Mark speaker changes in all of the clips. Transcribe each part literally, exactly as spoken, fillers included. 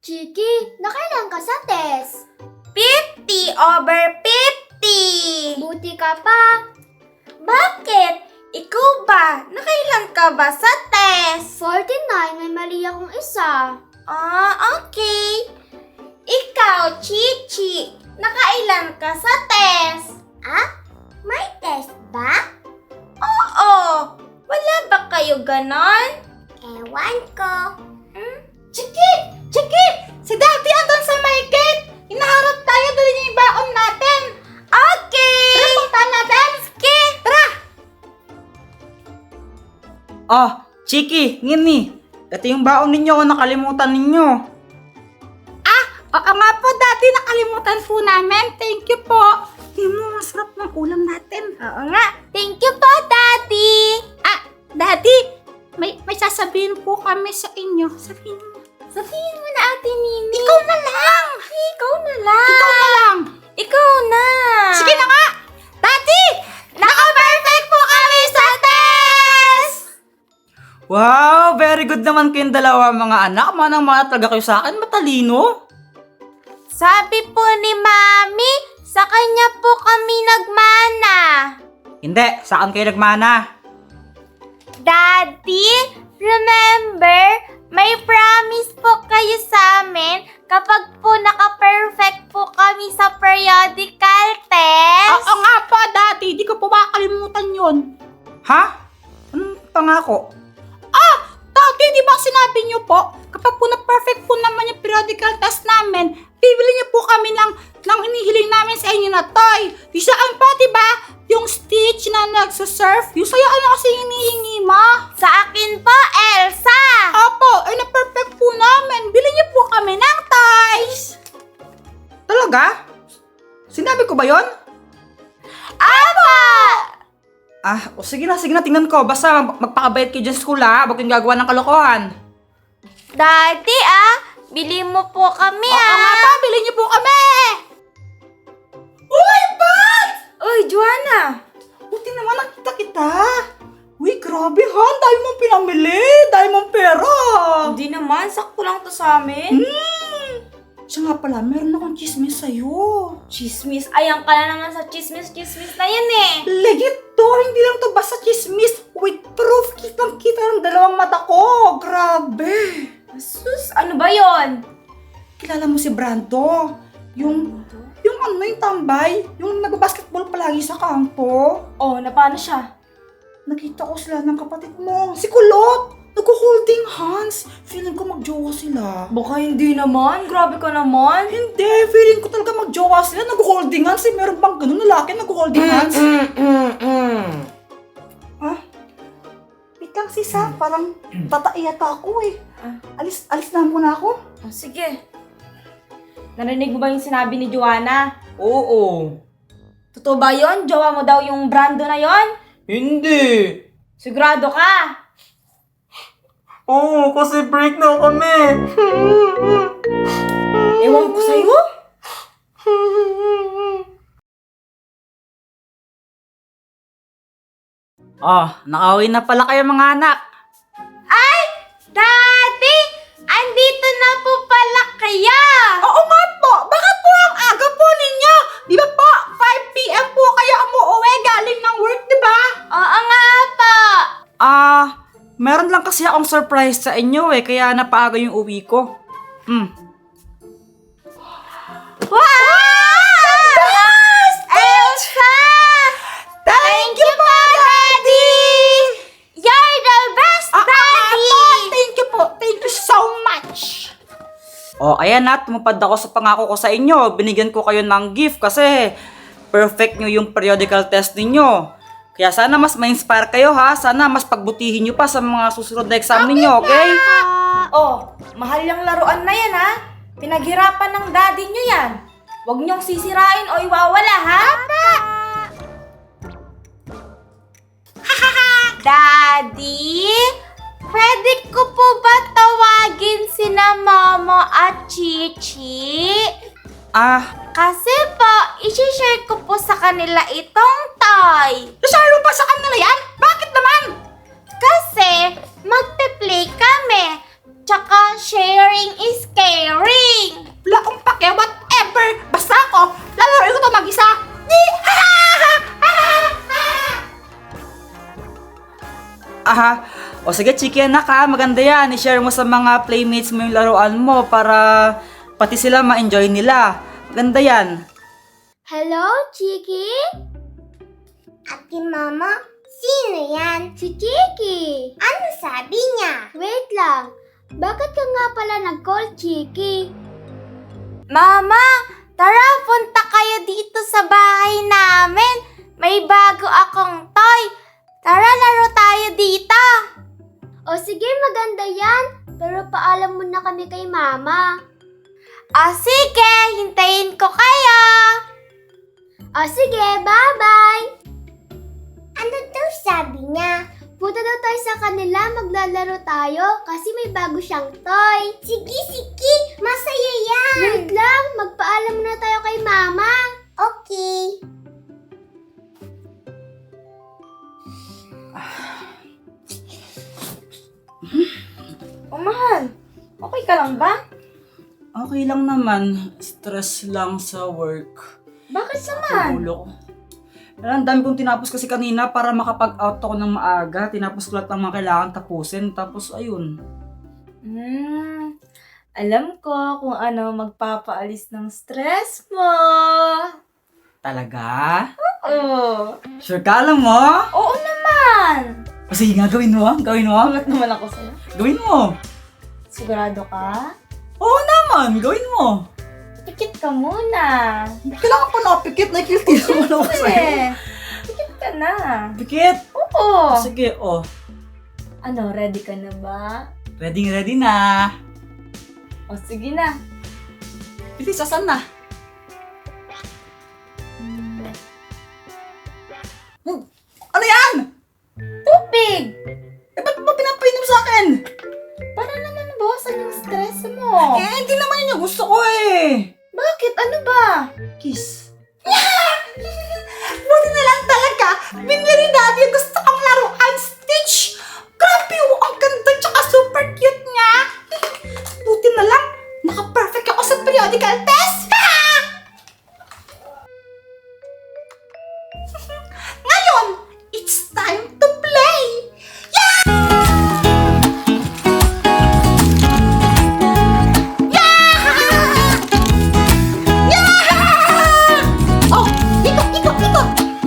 Speaker 1: Chiki, nakailan ka sa test?
Speaker 2: fifty over fifty!
Speaker 1: Buti ka pa.
Speaker 2: Bakit? Ikaw ba? Nakailan ka ba sa test?
Speaker 1: forty-nine, may mali akong isa.
Speaker 2: Ah, okay. Ikaw, Chichi, nakailan ka sa test?
Speaker 1: Ah? May test ba?
Speaker 2: Oo. Wala ba kayo ganon?
Speaker 1: Ewan ko.
Speaker 2: Hmm? Chiki! Chiki! Si Daddy andun sa may gate! Hinaharap tayo, dali niya yung baon natin! Okay! Tara, punta natin! Sige! Tara!
Speaker 3: Oh, Chiki, Ngini. Ito yung baon ninyo kung nakalimutan ninyo.
Speaker 2: Ah! Oo nga po, Daddy, nakalimutan po namin. Thank you po. Hindi mo, masarap ng ulam natin. Oo nga. Thank you po, Daddy! Ah, Daddy, may, may sasabihin po kami sa inyo. Sabihin mo. Sabihin mo na, Ate Nini. Ikaw na lang! Ikaw na lang! Ikaw na lang! Ikaw na! Sige na nga! Daddy! Naka-perfect po kami sa test!
Speaker 3: Wow, very good naman kayong dalawa mga anak. Manang mga talaga kayo sa akin, matalino.
Speaker 2: Sabi po ni Mami, sa kanya po kami nagmana.
Speaker 3: Hindi, saan kayo nagmana?
Speaker 2: Daddy, remember, may promise po kayo sa amin kapag po naka-perfect po kami sa periodical test.
Speaker 4: Oo nga po, Daddy. Di ko po makakalimutan yun.
Speaker 3: Ha? Anong pangako?
Speaker 4: Ah! Daddy, di ba sinabi niyo po, kapag po na-perfect po naman yung periodical test namin, bibili niyo po kami ng, ng inihiling namin sa inyo na toy. Yung saan pa, di ba? Yung Stitch na nagsasurf. Yung sa'yo, ano kasi hinihingi mo?
Speaker 2: Sa akin po, Elsa.
Speaker 4: Opo, ay na-perfect po namin. Bili niyo po kami ng toys.
Speaker 3: Talaga? Sinabi ko ba yon?
Speaker 2: Apa!
Speaker 3: Ah, o sige na, sige na, tingnan ko. Basta magpakabayad kayo dyan sa school ha. Huwag kayong gagawa ng kalokohan.
Speaker 2: Daddy, ah, bili mo po kami,
Speaker 4: Oo
Speaker 2: ah.
Speaker 4: nga pa, bili niyo po kami.
Speaker 3: Uy, Pat!
Speaker 2: Uy, Joanna.
Speaker 3: Buti naman nakita kita. Uy, grabe ha. Dahil mong pinamili. Dahil mong pera.
Speaker 2: Hindi naman, sakto lang to sa amin.
Speaker 3: Hmm. Siya nga pala, meron akong chismis sa'yo.
Speaker 2: Chismis. Ayan ka na naman sa chismis-chismis na yan eh.
Speaker 3: Legit to. Hindi lang to basta chismis. With proof. Kitang-kita ng dalawang mata ko. Grabe.
Speaker 2: Sus, ano ba yon?
Speaker 3: Kilala mo si Brando? Yung, yung ano yung tambay? Yung nagbabasketball palagi sa kampo?
Speaker 2: Oh, na paano siya?
Speaker 3: Nakita ko sila ng kapatid mo. Si Kulot. Nag-holding hands. Feeling ko magjowa sila.
Speaker 2: Baka hindi naman. Grabe ka naman.
Speaker 3: Hindi. Feeling ko talaga magjowa sila. Nag-holding hands. Eh, meron bang ganun lalaki nag-holding hands? Ha? Wait lang sis ha. Parang tataiyata ako eh. Alis, alis na muna ako.
Speaker 2: Oh, sige. Narinig mo ba yung sinabi ni Joanna?
Speaker 3: Oo.
Speaker 2: Totoo ba yon? Jowa mo daw yung Brando na yon?
Speaker 3: Hindi.
Speaker 2: Sigurado ka?
Speaker 3: Oo, kasi break na kami.
Speaker 2: Ewan ko sa'yo.
Speaker 3: Oh, nakauwi na pala kayo mga anak.
Speaker 2: Ay! Daddy! Andito na po pala kaya!
Speaker 4: Oo nga po, bakit po ang aga po ninyo? Di ba po, five p.m. po kayo umuwi galing ng work, di ba?
Speaker 2: Oo nga po!
Speaker 3: Ah, meron lang kasi akong surprise sa inyo eh, kaya napaaga yung uwi ko. Hmm.
Speaker 2: Wow! Yes! Elsa! Thank you po, Daddy! You're the best,
Speaker 4: Ah, ah,
Speaker 2: Daddy!
Speaker 4: po, thank you po, thank you so much.
Speaker 3: Oh, ayan na, tumupad ako sa pangako ko sa inyo. Binigyan ko kayo ng gift kasi perfect nyo yung periodical test ninyo. Kaya sana mas ma-inspire kayo ha. Sana mas pagbutihin nyo pa sa mga susunod na exam ninyo, okay?
Speaker 2: Oh, mahal yung laruan na yan, ha? Pinaghirapan ng daddy nyo yan. Huwag nyong sisirain o iwawala, ha? Daddy, pwede ko po ba tawagin sina Momo at Chichi?
Speaker 3: Ah,
Speaker 2: Kasi po, isi-share ko po sa kanila itong toy.
Speaker 4: Nasaro pa sa kanila yan? Bakit naman?
Speaker 2: Kasi magpe-play kami. Tsaka sharing is caring.
Speaker 3: O sige, Chiki anak ha, maganda yan. I-share mo sa mga playmates mo yung laruan mo para pati sila ma-enjoy nila. Maganda yan.
Speaker 1: Hello, Chiki? Ate Mama, sino yan? Si Chiki. Ano sabi niya? Wait lang. Bakit ka nga pala nag-call, Chiki?
Speaker 2: Mama, tara punta kayo dito sa bahay namin. May bago akong toy. Tara laro tayo dito.
Speaker 1: O sige, maganda yan. Pero paalam mo na kami kay Mama.
Speaker 2: O sige, hintayin ko kayo.
Speaker 1: O sige, bye-bye! Ano daw sabi niya? Punta daw tayo sa kanila, maglalaro tayo kasi may bago siyang toy. Sige, sige! Masaya yan! Wait lang, magpaalam muna tayo kay Mama. Okay.
Speaker 2: Oh, mahal. Okay ka lang ba?
Speaker 3: Okay lang naman. Stress lang sa work.
Speaker 2: Bakit naman?
Speaker 3: Ulo ko. Pero ang dami kong tinapos kasi kanina para makapag-out ako ng maaga. Tinapos ko lahat ng mga kailangan tapusin. Tapos ayun.
Speaker 2: Hmm, alam ko kung ano magpapaalis ng stress mo.
Speaker 3: Talaga?
Speaker 2: Oo.
Speaker 3: Sure ka, alam mo?
Speaker 2: Oo naman.
Speaker 3: O sige nga, gawin mo. Gawin mo.
Speaker 2: Angat naman ako sa'yo.
Speaker 3: Gawin mo.
Speaker 2: Sigurado ka?
Speaker 3: Oo naman, gawin mo.
Speaker 2: Pikit ka muna.
Speaker 3: Kailangan pa nakapikit. Nakikilti naman ako sa'yo.
Speaker 2: Eh, pikit ka na.
Speaker 3: Pikit.
Speaker 2: Oo.
Speaker 3: Sige, oh.
Speaker 2: Ano, ready ka na ba?
Speaker 3: Ready, ready na.
Speaker 2: O sige na.
Speaker 3: Bilis, asan na? Hmm, ano yan?
Speaker 2: Tubig!
Speaker 3: Eh, ba't mo pinapainom sa akin?
Speaker 2: Para naman mabawasan yung stress mo.
Speaker 3: Eh, hindi naman yun yung gusto ko eh.
Speaker 2: Bakit? Ano ba?
Speaker 3: Kiss.
Speaker 4: Buti na lang talaga. Binili ni Daddy yung gusto kong laruan, Stitch. Grabe oh, ang ganda tsaka super cute niya. Buti na lang, naka-perfect ako sa periodical test. Ngayon, it's time to play. Oh, ikot, ikot, ikot.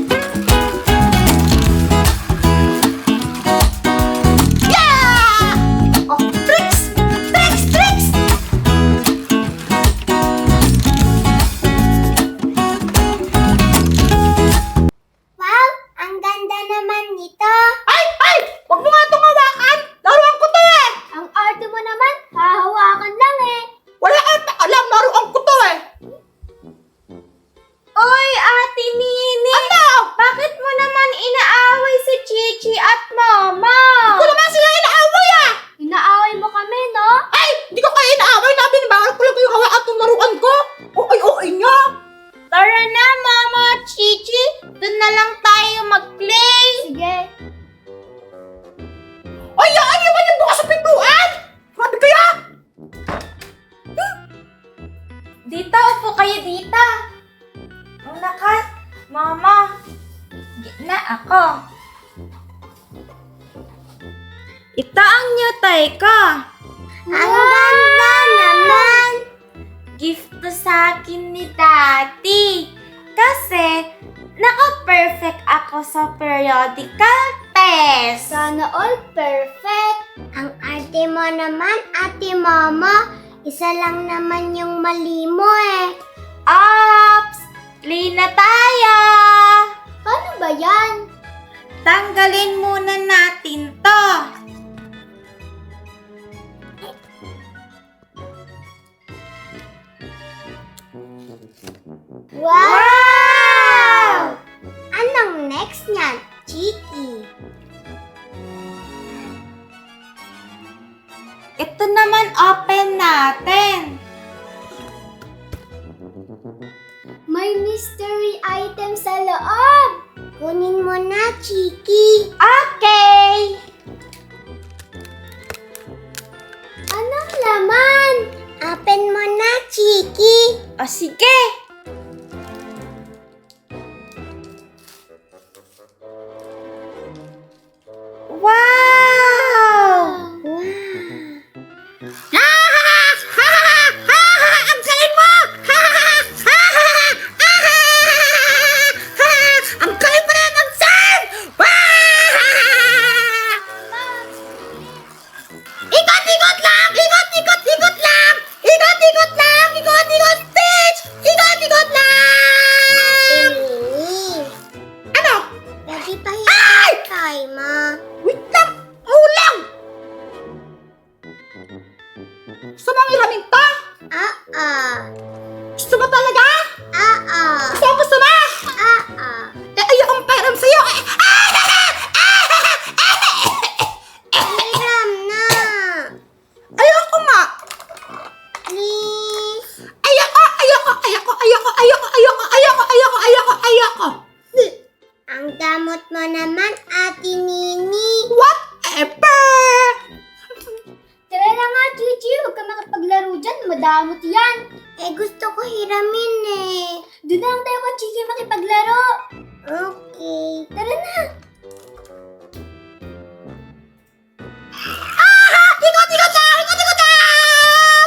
Speaker 4: Yeah! Oh, tricks! Tricks, tricks!
Speaker 1: Wow, ang ganda naman nito.
Speaker 4: Ay, ay! Huwag mo nga itong hawakan! Laruan ko to eh!
Speaker 1: Ang arte mo naman, hahawakan lang eh.
Speaker 4: Wala kang alam, laruan ko to eh!
Speaker 2: Oy, Ate Nini!
Speaker 4: Ano?
Speaker 2: Bakit mo naman inaaway si Chichi at Mama?
Speaker 4: Ko naman sila inaaway ah!
Speaker 1: Inaaway mo kami, no?
Speaker 4: Ay! Hindi ko kayo inaaway namin! Bawal ko lang yung hawakan itong laruan ko! O ay, o ay niya!
Speaker 2: Tara na, Mama at Chichi! Doon na lang tayo mag-play!
Speaker 1: Sige.
Speaker 4: Ay, yan! Iwan niyo bukas sa pintuan! Grabe kaya!
Speaker 2: Dito, upo kayo dito! Una ka, Mama! Gitna ako! Ito ang new toy ko!
Speaker 1: Ang ganda naman.
Speaker 2: Gift to sa akin ni Daddy. Kasi, naka-perfect ako sa periodical test.
Speaker 1: Sana all perfect. Ang arte mo naman, Ate Mama. Isa lang naman yung mali mo eh.
Speaker 2: Ops! Play na tayo!
Speaker 1: Paano ba yan?
Speaker 2: Tanggalin muna natin to.
Speaker 1: Wow! Anong next niyan, Chiki?
Speaker 2: Ito naman open natin.
Speaker 1: May mystery item sa loob. Kunin mo na, Chiki.
Speaker 2: Okay!
Speaker 1: Anong laman? Open mo na, Chiki.
Speaker 2: O sige! Wow!
Speaker 1: ah.
Speaker 4: Gusto mo talaga?
Speaker 1: Ah, ah.
Speaker 4: Gusto mo, gusto mo?
Speaker 1: Ah, ah.
Speaker 4: Eh, ayokong pairam sa'yo. Eh,
Speaker 1: Hiram na.
Speaker 4: ayoko nga.
Speaker 1: Please.
Speaker 4: Ayoko, ayoko, ayoko, ayoko, ayoko, ayoko, ayoko, ayoko, ayoko, ayoko.
Speaker 1: Ang damot mo naman, Ate Nini.
Speaker 4: Whatever.
Speaker 1: Tara na nga, Chichi. Huwag ka makipaglaro dyan. Madamot yan. Eh, gusto ko hiramin eh. Doon na lang tayo kay Chichi makipaglaro. Okay. Tara na.
Speaker 4: Ikot, ikot lang, ikot, ikot lang.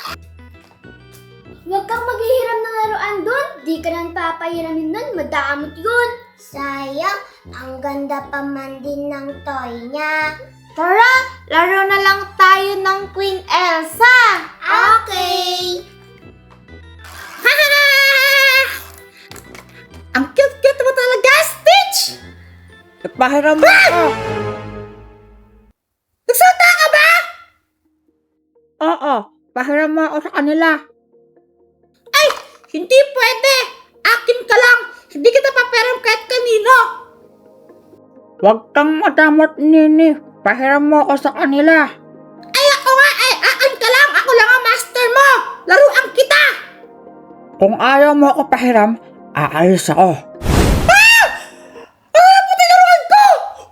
Speaker 1: Huwag kang maghihiram ng laruan doon. Di ka nang papahiramin nun. Madamot yun. Sayang. Ang ganda pa man din ng toy niya.
Speaker 2: Tara, laro na lang tayo ng Queen Elsa.
Speaker 1: Okay.
Speaker 4: Ang cute-cute mo talaga, Stitch.
Speaker 3: Nagpahiram mo ako.
Speaker 4: Nagsalta ka ba?
Speaker 3: Oo, pahiram mo ako sa kanila.
Speaker 4: Ay, hindi pwede. Akin ka lang. Hindi kita paperam kahit kanino.
Speaker 3: Huwag kang madamot, Nini. Pahiram mo ako sa kanila.
Speaker 4: Ay, ako nga. Ay, akin ka lang. Ako lang ang master mo. Laruan kita.
Speaker 3: Kung ayaw mo ako pahiram, aalis ako.
Speaker 4: Ah, puti laruan ko.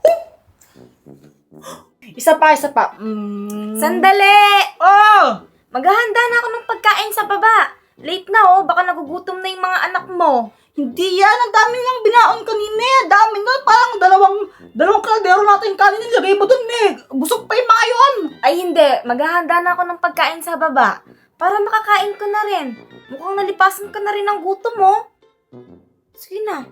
Speaker 3: Isa pa, isa pa. Mm.
Speaker 2: Sandali!
Speaker 3: Oh!
Speaker 2: Maghahanda na ako ng pagkain sa baba. Late na oh, baka nagugutom na yung mga anak mo.
Speaker 4: Hindi yan. Ang dami lang binaon kanina. Ang dami na. Parang dalawang, dalawang kaldero natin kanin nilagay mo dun eh. Busog pa yung mga yun.
Speaker 2: Ay hindi, maghahanda na ako ng pagkain sa baba. Para makakain ko na rin. Mukhang nalipasan ka na rin ng gutom mo. Sige na.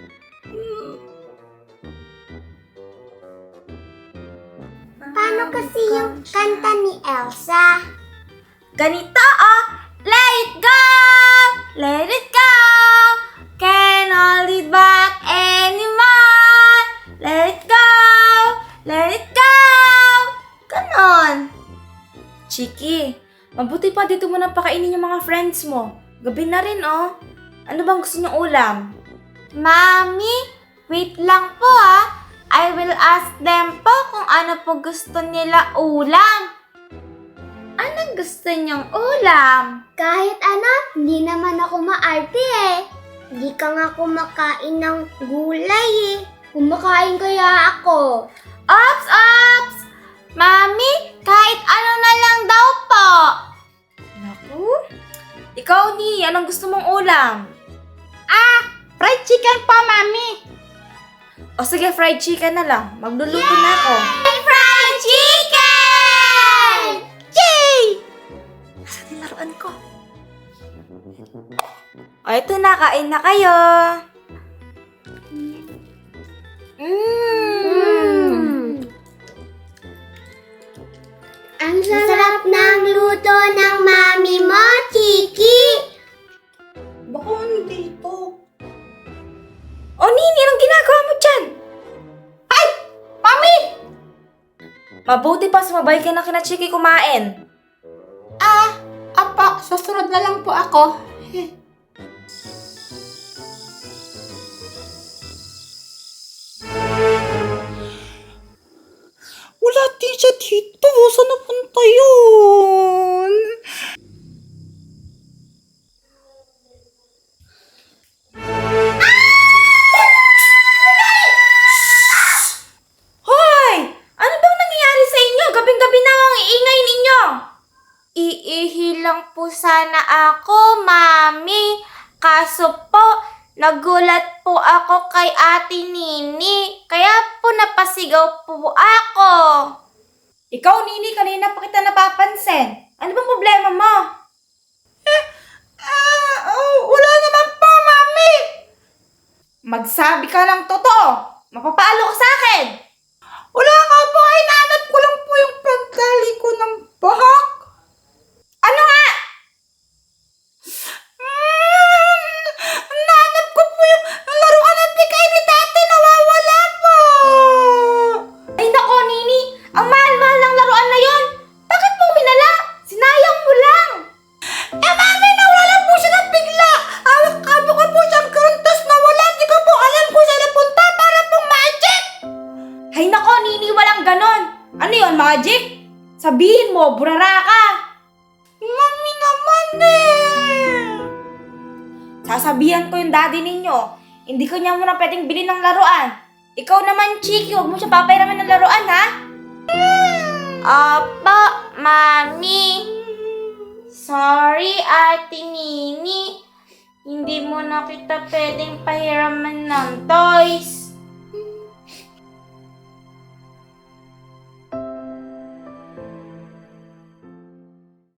Speaker 1: Paano kasi yung kanta ni Elsa?
Speaker 2: Ganito oh! Let it go! Let it go! Can't hold it back anymore! Let it go! Let it go! Ganon. Chiki, mabuti pa dito mo nang pakainin yung mga friends mo. Gabi na rin oh. Ano bang gusto niyong ulam? Mami, wait lang po ah. I will ask them po kung ano po gusto nila ulam. Anong gusto niyong ulam?
Speaker 1: Kahit ano, hindi naman ako maarte eh. Hindi ka nga kumakain ng gulay eh. Kumakain kaya ako.
Speaker 2: Ops, ops! Mami, kahit ano na lang daw po. Naku, ikaw ni, anong gusto mong ulam?
Speaker 4: Ah, fried chicken po, mami.
Speaker 2: O sige, fried chicken na lang. Magluluto na ako.
Speaker 1: Fried chicken!
Speaker 2: Yay! Nasaan yung laruan ko? O, ito na. Kain na kayo. Mmm.
Speaker 1: Ang sarap ng luto ng mami mo, Chiki!
Speaker 4: Baka dito.
Speaker 2: O, Nini, anong ginagawa mo dyan?
Speaker 4: Ay, mami!
Speaker 2: Mabuti pa sumabay ka na kina Chiki kumain.
Speaker 4: Ah, apa, susunod na lang po ako. Wala din siya dito. Saan napunta yun?
Speaker 2: Hoy! Ano bang nangyayari sa inyo? Gabing-gabi na ang iingay ninyo. Iihi lang po sana ako, Mami. Kaso po, nagulat po ako kay Ate Nini. Kaya po napasigaw po ako. Ikaw, Nini, kanina pa kita napapansin. Ano bang problema mo?
Speaker 4: Ah, oh, wala naman po, mami.
Speaker 2: Magsabi ka ng totoo. Mapapalo ka sa akin.
Speaker 4: Wala nga po, ay nanap ko lang po yung pagdali ko ng bahak.
Speaker 2: Ano nga?
Speaker 4: Mm, nanap ko po yung laruan na bigay ni dati, nawawala po.
Speaker 2: Ay nako, Nini. Ang mahal-mahal ng laruan na yon. Bakit mo minala? Sinayang mo lang.
Speaker 4: Eh, mami,
Speaker 2: mo, burara ka! Mami naman eh! Sasabihan ko yung daddy ninyo, hindi ko niya muna pwedeng bilhin ng laruan. Ikaw naman, Chiki, huwag mo siya papairaman ng laruan, ha? Opo, Mami. Sorry, Ate Nini. Hindi mo na kita pwedeng pahiraman ng toys.